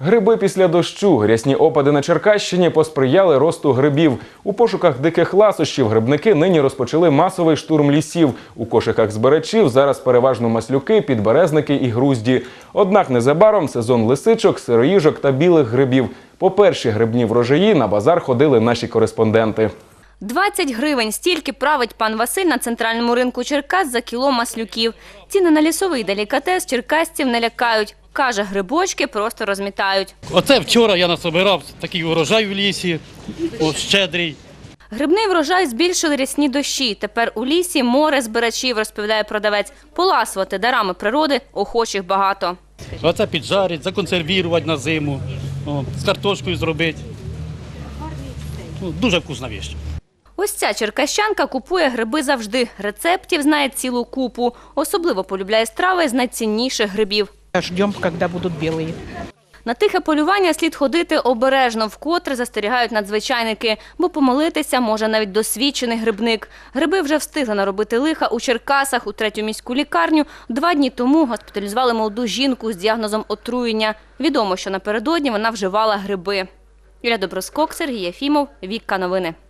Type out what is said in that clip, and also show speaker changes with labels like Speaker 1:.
Speaker 1: Гриби після дощу. Рясні опади на Черкащині посприяли росту грибів. У пошуках диких ласощів грибники нині розпочали масовий штурм лісів. У кошиках збирачів зараз переважно маслюки, підберезники і грузді. Однак незабаром сезон лисичок, сироїжок та білих грибів. По перші грибні врожаї на базар ходили наші кореспонденти.
Speaker 2: 20 гривень – стільки править пан Василь на центральному ринку Черкас за кіло маслюків. Ціни на лісовий делікатес черкасців не лякають. Каже, грибочки просто розмітають.
Speaker 3: Оце вчора я насобирав такий урожай в лісі, щедрий.
Speaker 2: Грибний врожай збільшили рясні дощі. Тепер у лісі море збирачів, розповідає продавець. Поласувати дарами природи охочих багато.
Speaker 3: Оце піджарить, законсервувати на зиму, з картошкою зробити. Дуже вкусна річ.
Speaker 2: Ось ця черкащанка купує гриби завжди. Рецептів знає цілу купу. Особливо полюбляє страви з найцінніших грибів.
Speaker 4: Ждем, коли будуть білі.
Speaker 2: На тихе полювання слід ходити обережно, вкотре застерігають надзвичайники, бо помилитися може навіть досвідчений грибник. Гриби вже встигли наробити лиха у Черкасах. У 3-ю міську лікарню 2 дні тому госпіталізували молоду жінку з діагнозом отруєння. Відомо, що напередодні вона вживала гриби. Юлія Доброскок, Сергій Єфімов, Вікка Новини.